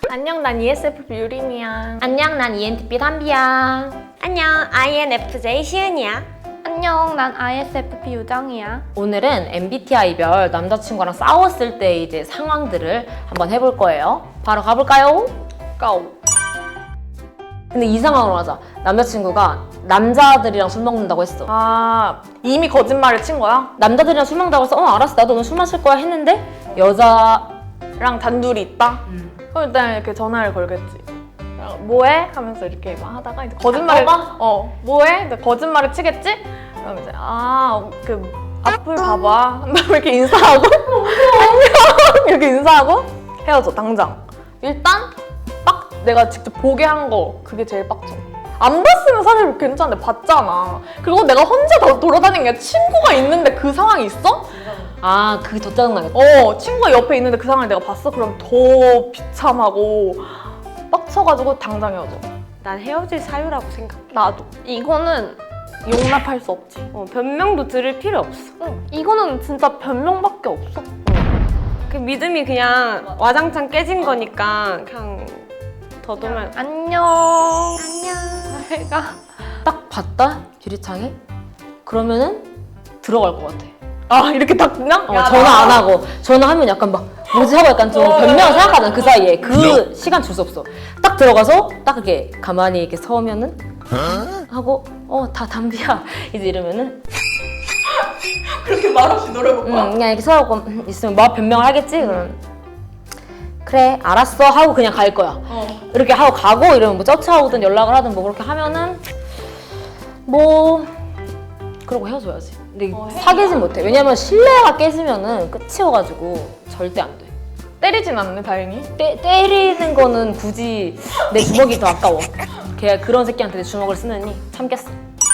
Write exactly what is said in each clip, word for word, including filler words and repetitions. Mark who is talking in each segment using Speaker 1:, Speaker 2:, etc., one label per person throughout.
Speaker 1: 안녕, 난 이에스에프피 유림이야.
Speaker 2: 안녕, 난 이엔티피 담비야.
Speaker 3: 안녕, 아이엔에프제이 시은이야.
Speaker 4: 안녕, 난 아이에스에프피 유정이야.
Speaker 2: 오늘은 엠비티아이별 남자친구랑 싸웠을 때 이제 상황들을 한번 해볼 거예요. 바로 가볼까요?
Speaker 1: 고!
Speaker 2: 근데 이 상황으로 하자. 남자친구가 남자들이랑 술 먹는다고 했어.
Speaker 1: 아, 이미 거짓말을 친 거야?
Speaker 2: 남자들이랑 술 먹는다고 해서 어 알았어, 나도 오늘 술 마실 거야 했는데
Speaker 1: 여자랑 단둘이 있다?
Speaker 2: 음.
Speaker 1: 그럼 일단 이렇게 전화를 걸겠지. 뭐해? 하면서 이렇게 막 하다가 이제 거짓말을
Speaker 2: 아,
Speaker 1: 어 뭐해? 근데 거짓말을 치겠지? 그럼 이제 아 그 앞을 봐봐. 그다음에 이렇게 인사하고 안녕 이렇게 인사하고 헤어져 당장. 일단 빡 내가 직접 보게 한 거 그게 제일 빡쳐. 안 봤으면 사실 괜찮은데 봤잖아. 그리고 내가 혼자 더 돌아다니는 게 친구가 있는데 그 상황이 있어?
Speaker 2: 아 그게 더 짜증나겠다.
Speaker 1: 어 친구가 옆에 있는데 그 상황을 내가 봤어? 그럼 더 비참하고 빡쳐가지고 당장 헤어져.
Speaker 3: 난 헤어질 사유라고 생각해.
Speaker 1: 나도.
Speaker 4: 이거는
Speaker 1: 용납할 수 없지.
Speaker 3: 어, 변명도 들을 필요 없어.
Speaker 4: 응, 이거는 진짜 변명밖에 없어.
Speaker 3: 그 믿음이 그냥 와장창 깨진 거니까 그냥 더듬을.
Speaker 4: 안녕.
Speaker 3: 안녕.
Speaker 4: 내가
Speaker 2: 딱 봤다 유리창에 그러면은 들어갈 것 같아.
Speaker 1: 아 이렇게 딱 그냥?
Speaker 2: 어, 전화 안 하고 전화하면 약간 막 뭐지 하고 약간 좀 변명을 생각하잖아. 그 사이에 그 시간 줄 수 없어. 딱 들어가서 딱 이렇게 가만히 이렇게 서면은 하고 어 다 담비야 이제 이러면은
Speaker 1: 그렇게 말없이 노래 볼
Speaker 2: 응, 그냥 이렇게 서고 음, 있으면 뭐 변명을 하겠지. 그럼 그래 알았어 하고 그냥 갈 거야.
Speaker 1: 어.
Speaker 2: 이렇게 하고 가고 이러면 뭐 쩌차하고든 연락을 하든 뭐 그렇게 하면은 뭐 그러고 헤어져야지. 근데
Speaker 1: 어,
Speaker 2: 사귀진 못해. 왜냐면 신뢰가 깨지면은 끝이어가지고 절대 안 돼.
Speaker 1: 때리진 않네 다행히.
Speaker 2: 때, 때리는 거는 굳이 내 주먹이 더 아까워. 걔 그런 새끼한테 내 주먹을 쓰느니 참겠어.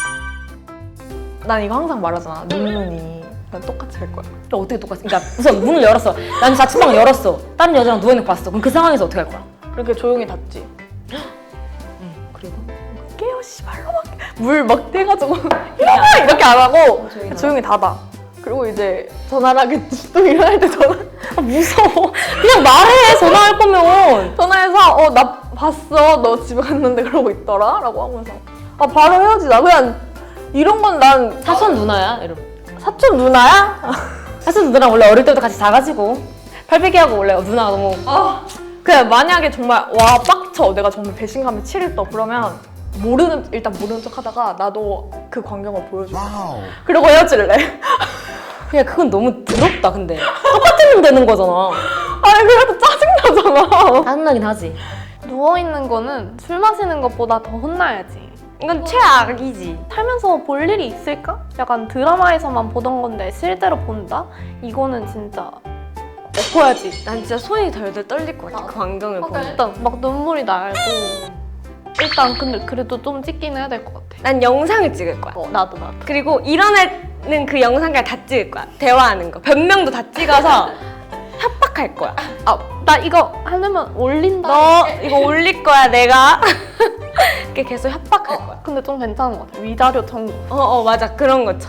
Speaker 1: 난 이거 항상 말하잖아. 눈눈이. 난 똑같이 할 거야.
Speaker 2: 그럼 어떻게 똑같이? 그러니까 우선 문을 열었어. 난 자취방을 열었어. 다른 여자랑 누워있는 거 봤어. 그럼 그 상황에서 어떻게 할 거야?
Speaker 1: 이렇게 조용히 닫지.
Speaker 2: 응, 그리고
Speaker 1: 깨요 씨발로 막 물 막 떼가지고 일어나 이렇게 안 하고
Speaker 2: 조용히
Speaker 1: 조용히 닫아. 그리고 이제 전화를 하겠지. 또 일어날 때 전화.
Speaker 2: 아, 무서워. 그냥 말해. 전화할 거면.
Speaker 1: 전화해서 어 나 봤어. 너 집에 갔는데 그러고 있더라. 라고 하면서 아 바로 헤어지자. 그냥 이런 건 난
Speaker 2: 사촌 누나야. 이러면.
Speaker 1: 사촌 누나야?
Speaker 2: 사촌 누나랑 원래 어릴 때부터 같이 자가지고 팔베개하고 원래 누나가 너무
Speaker 1: 아 그냥 만약에 정말 와 빡쳐. 내가 정말 배신감에 치를 떠. 그러면 모르는 일단 모르는 척 하다가 나도 그 광경을 보여줘. 그리고 헤어질래.
Speaker 2: 그냥 그건 너무 더럽다. 근데 똑같은 일 되는 거잖아.
Speaker 1: 아니 그래도 짜증나잖아.
Speaker 2: 짜증나긴 하지.
Speaker 4: 누워있는 거는 술 마시는 것보다 더 혼나야지.
Speaker 3: 이건 최악이지.
Speaker 4: 살면서 볼 일이 있을까? 약간 드라마에서만 보던 건데 실제로 본다? 이거는 진짜 엎어야지.
Speaker 3: 난 진짜 손이 덜덜 떨릴 것 같아. 그 광경을 보면.
Speaker 4: 일단 막 눈물이 나고 일단 근데 그래도 좀 찍긴 해야 될 것 같아.
Speaker 3: 난 영상을 찍을 거야.
Speaker 4: 어, 나도 나도.
Speaker 3: 그리고 일어나는 그 영상까지 다 찍을 거야. 대화하는 거. 변명도 다 찍어서 협박할 거야.
Speaker 4: 아, 나 이거 하려면 올린다.
Speaker 3: 너 이거 올릴 거야, 내가. 이렇게 계속 협박할 거야.
Speaker 4: 근데 좀 괜찮은 것 같아. 위자료 청구.
Speaker 3: 어, 어, 맞아. 그런 거죠.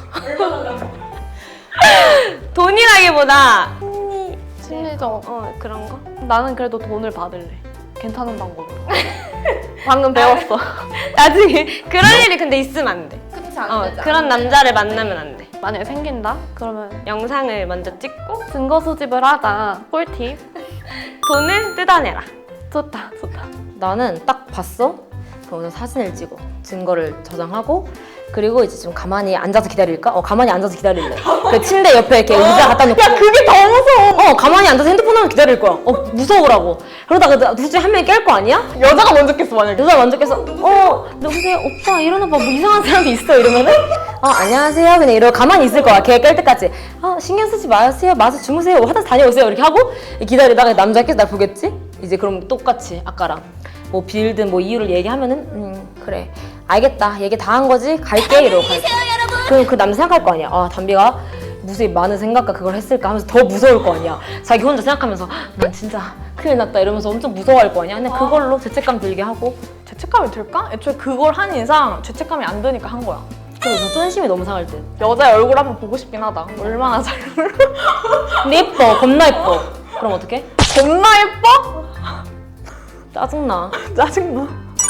Speaker 3: 돈이라기보다
Speaker 4: 심리적.
Speaker 3: 어, 그런 거?
Speaker 4: 나는 그래도 돈을 받을래. 괜찮은 방법으로. 방금 배웠어.
Speaker 3: 나중에 그런 일이 근데 있으면 안 돼.
Speaker 4: 그치
Speaker 3: 어, 그런 남자를 만나면 안 돼.
Speaker 4: 만약에 생긴다? 그러면
Speaker 3: 영상을 먼저 찍고
Speaker 4: 증거 수집을 하자. 꿀팁.
Speaker 3: 돈을 뜯어내라.
Speaker 4: 좋다, 좋다.
Speaker 2: 나는 딱 봤어. 그러면 사진을 찍어. 증거를 저장하고 그리고 이제 좀 가만히 앉아서 기다릴까? 어 가만히 앉아서 기다릴래. 그 침대 옆에 이렇게 의자 갖다 놓고.
Speaker 1: 야 그게 더 무서워.
Speaker 2: 어 가만히 앉아서 핸드폰 하면 기다릴 거야. 어 무서우라고. 그러다가 둘 중에 한 명이 깰 거 아니야?
Speaker 1: 여자가 먼저 깼어 만약에.
Speaker 2: 여자 먼저 깨서 어 누구세요? 오빠 일어나봐. 뭐 이상한 사람이 있어 이러면은 어 안녕하세요 그냥 이러고 가만히 있을 거야. 걔 깰 때까지. 어 신경 쓰지 마세요. 마서 주무세요. 화장실 다녀오세요. 이렇게 하고 기다리다가 남자가 깨서 날 보겠지? 이제 그럼 똑같이 아까랑 뭐 빌든 뭐 이유를 얘기하면은 음 그래 알겠다 얘기 다 한 거지 갈게 이러고 갈게. 그럼 그 남자 생각할 거 아니야. 아 담비가 무수히 많은 생각과 그걸 했을까 하면서 더 무서울 거 아니야. 자기 혼자 생각하면서 난 진짜 큰일 났다 이러면서 엄청 무서워할 거 아니야. 근데 그걸로 죄책감 들게 하고
Speaker 1: 죄책감이 들까? 애초에 그걸 한 이상 죄책감이 안 드니까 한 거야.
Speaker 2: 그래서 쫀심이 너무 상할 듯.
Speaker 1: 여자의 얼굴 한번 보고 싶긴 하다. 얼마나 잘
Speaker 2: 근데 예뻐 겁나 예뻐. 그럼 어떡해?
Speaker 1: 겁나 예뻐?
Speaker 2: 짜증나.
Speaker 1: 짜증나.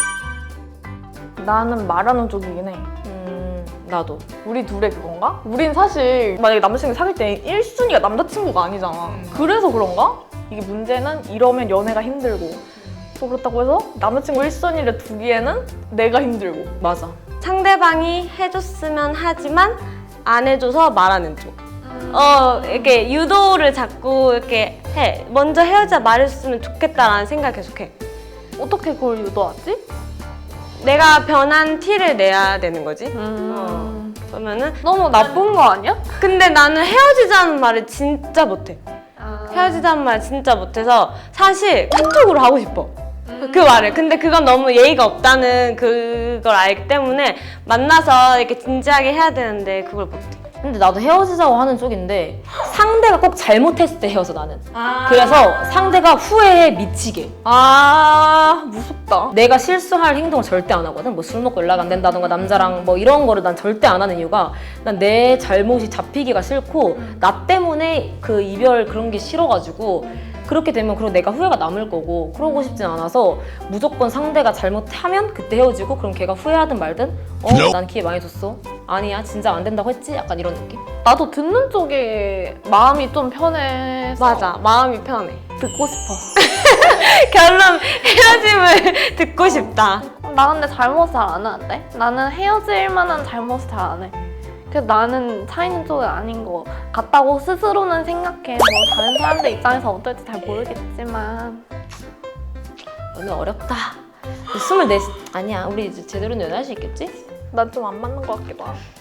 Speaker 1: 나는 말하는 쪽이긴 해.
Speaker 2: 음, 나도.
Speaker 1: 우리 둘의 그건가? 우린 사실 만약에 남자친구 사귈 때 일 순위가 남자친구가 아니잖아. 그래서 그런가? 이게 문제는 이러면 연애가 힘들고 또 그렇다고 해서 남자친구 일 순위를 두기에는 내가 힘들고.
Speaker 2: 맞아.
Speaker 3: 상대방이 해줬으면 하지만 안 해줘서 말하는 쪽. 어, 이렇게 유도를 자꾸 이렇게 해. 먼저 헤어지자 말했으면 좋겠다라는 생각 계속해.
Speaker 4: 어떻게 그걸 유도하지?
Speaker 3: 내가 변한 티를 내야 되는 거지.
Speaker 4: 음.
Speaker 3: 그러면은
Speaker 4: 너무 나쁜 거 아니야?
Speaker 3: 근데 나는 헤어지자는 말을 진짜 못해.
Speaker 4: 아.
Speaker 3: 헤어지자는 말 진짜 못해서 사실 카톡으로 하고 싶어. 그 말을. 근데 그건 너무 예의가 없다는 그걸 알기 때문에 만나서 이렇게 진지하게 해야 되는데 그걸 못해.
Speaker 2: 근데 나도 헤어지자고 하는 쪽인데 상대가 꼭 잘못했을 때 헤어져 나는. 그래서 상대가 후회에 미치게.
Speaker 1: 아 무섭다.
Speaker 2: 내가 실수할 행동을 절대 안 하거든. 뭐 술 먹고 연락 안 된다던가 남자랑 뭐 이런 거를 난 절대 안 하는 이유가 난 내 잘못이 잡히기가 싫고 나 때문에 그 이별 그런 게 싫어가지고 그렇게 되면 그럼 내가 후회가 남을 거고 그러고 싶진 않아서 무조건 상대가 잘못하면 그때 헤어지고 그럼 걔가 후회하든 말든 어? 난 기회 많이 줬어. 아니야 진짜 안 된다고 했지? 약간 이런 느낌?
Speaker 4: 나도 듣는 쪽에 마음이 좀 편해서
Speaker 3: 맞아. 마음이 편해.
Speaker 4: 듣고 싶어.
Speaker 3: 결론 헤어짐을 듣고 싶다.
Speaker 4: 나 근데 잘못 잘 안 하는데? 나는 헤어질 만한 잘못을 잘 안 해. 그래서 나는 차이는 쪽은 아닌 것 같다고 스스로는 생각해. 뭐 다른 사람들 입장에서 어떨지 잘 모르겠지만.
Speaker 2: 연애 어렵다. 스물네 아니야 우리 이제 제대로 연애할 수 있겠지?
Speaker 1: 난 좀 안 맞는 것 같기도 하고.